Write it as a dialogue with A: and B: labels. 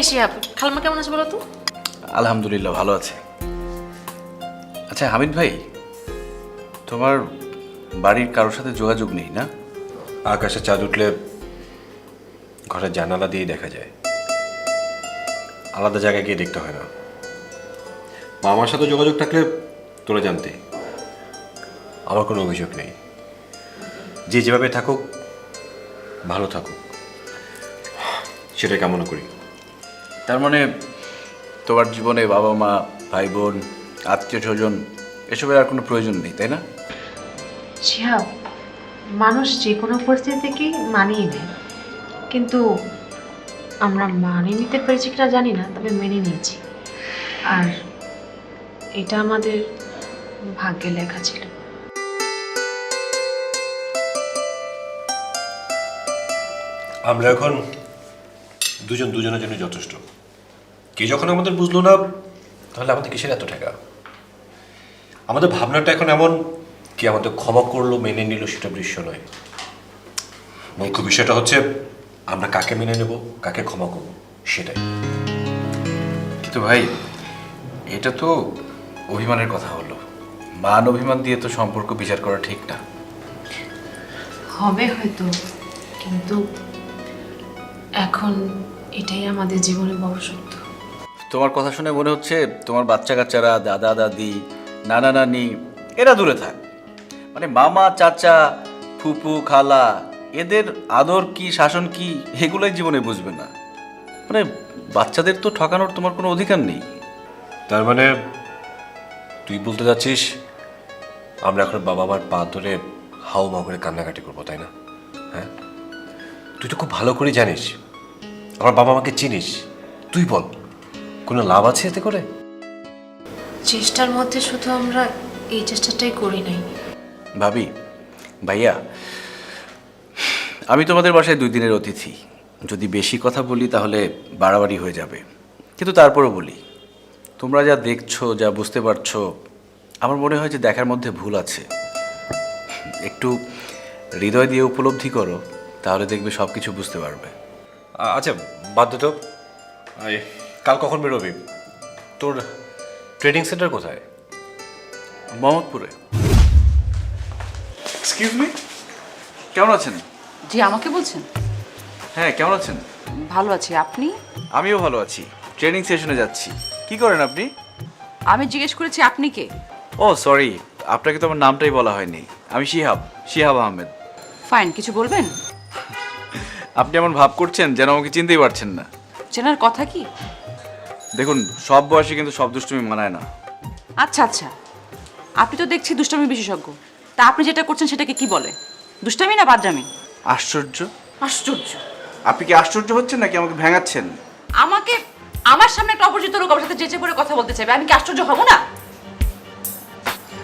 A: শিহাব, খালাম্মা কেমন আছে বলো তো?
B: আলহামদুলিল্লাহ ভালো আছে। আচ্ছা হামিদ ভাই, তোমার বাড়ির কারোর সাথে যোগাযোগ নেই না?
C: আকাশে চাঁদ উঠলে ঘরের জানালা দিয়েই দেখা যায়, আলাদা জায়গায় গিয়ে দেখতে হয় না। মামার সাথে যোগাযোগ থাকলে তোরা জানতে, আমার কোনো অভিযোগ নেই। যে যেভাবে থাকুক ভালো থাকুক, সেটাই কামনা করি।
B: তার মানে তোমার জীবনে বাবা মা, ভাই বোন, আত্মীয় স্বজন এসবের আর কোনো প্রয়োজন নেই, তাই না?
A: শিহাব, মানুষ যে কোনো পরিস্থিতিকেই মানিয়ে নেয়, কিন্তু আমরা মানিয়ে নিতে পেরেছি কিনা জানি না, তবে মেনে নিয়েছি। আর এটা আমাদের ভাগ্যে লেখা ছিল।
C: আমরা এখন দুজন দুজনের জন্য যথেষ্ট। কে যখন আমাদের বুঝলো না, তাহলে আমাদের কিসের এত টাকা? আমাদের ভাবনাটা এখন এমন, কি আমাদের ক্ষমা করলো, মেনে নিল, সেটা দৃশ্য নয়। মুখ্য বিষয়টা হচ্ছে আমরা কাকে মেনে নেব, কাকে ক্ষমা করব, সেটাই।
B: কিন্তু ভাই, এটা তো অভিমানের কথা হলো। মান অভিমান দিয়ে তো সম্পর্ক বিচার করা ঠিক না।
A: হবে হয়তো, কিন্তু এখন এটাই আমাদের জীবনে বড় সত্য।
B: তোমার কথা শুনে মনে হচ্ছে তোমার বাচ্চা কাচ্চারা, দাদা দাদি, নানা নানি এরা দূরে থাক, মানে মামা চাচা ফুপু খালা এদের আদর কি শাসন কি এগুলোই জীবনে বুঝবে না। মানে বাচ্চাদের তো ঠকানোর তোমার কোনো অধিকার নেই।
C: তার মানে তুই বলতে যাচ্ছিস আমরা এখন বাবা মার পা ধরে হাও মাও করে কান্নাকাটি করবো, তাই না? হ্যাঁ, তুই তো খুব ভালো করে জানিস আমার বাবা মাকে চিনিস। তুই বল, কোনো লাভ আছে এতে করে?
A: চেষ্টার মধ্যে শুধু আমরা এই চেষ্টাটাই করি নাই।
B: ভাবি, ভাইয়া, আমি তোমাদের বাসায় 2 দিনের অতিথি। যদি বেশি কথা বলি তাহলে বাড়াবাড়ি হয়ে যাবে, কিন্তু তারপরও বলি, তোমরা যা দেখছো, যা বুঝতে পারছো, আমার মনে হয় যে দেখার মধ্যে ভুল আছে। একটু হৃদয় দিয়ে উপলব্ধি করো, তাহলে দেখবে সব কিছু বুঝতে পারবে।
C: আচ্ছা বাদ দে তো। কাল কখন বেরোবি? তোর ট্রেনিং সেন্টার কোথায়?
B: মোহাম্মদপুরে। এক্সকিউজ মি, কেমন আছেন?
D: জি, আমাকে বলছেন?
B: হ্যাঁ, কেমন আছেন?
D: ভালো আছি, আপনি?
B: আমিও ভালো আছি। ট্রেনিং সেশনে যাচ্ছি। কি করেন আপনি?
D: আমি জিজ্ঞেস করেছি আপনি কে?
B: ও সরি, আপনাকে তো আমার নামটাই বলা হয়নি। আমি শিহাব, শিহাব আহমেদ।
D: ফাইন, কিছু বলবেন?
B: আপনি এমন ভাব করছেন যেন আমাকে চিনতেই পারছেন না।
D: চেনার কথা কি?
B: দেখুন, সব বয়সে কিন্তু সব দুষ্টুমি মানায় না।
D: আচ্ছা আচ্ছা, আপনি তো দেখছি দুষ্টামি বিশেষজ্ঞ। তা আপনি যেটা করছেন সেটাকে কি বলে? দুষ্টামি না বাদরামি?
B: আশ্চর্য!
D: আশ্চর্য!
B: আপনি কি আশ্চর্য হচ্ছেন নাকি আমাকে ভেঙাচ্ছেন?
D: আমাকে আমার সামনে একটা অপরিচিত লোক আমার সাথে চেঁচে পড়ে কথা বলতে চাইবে, আমি কি আশ্চর্য হব না?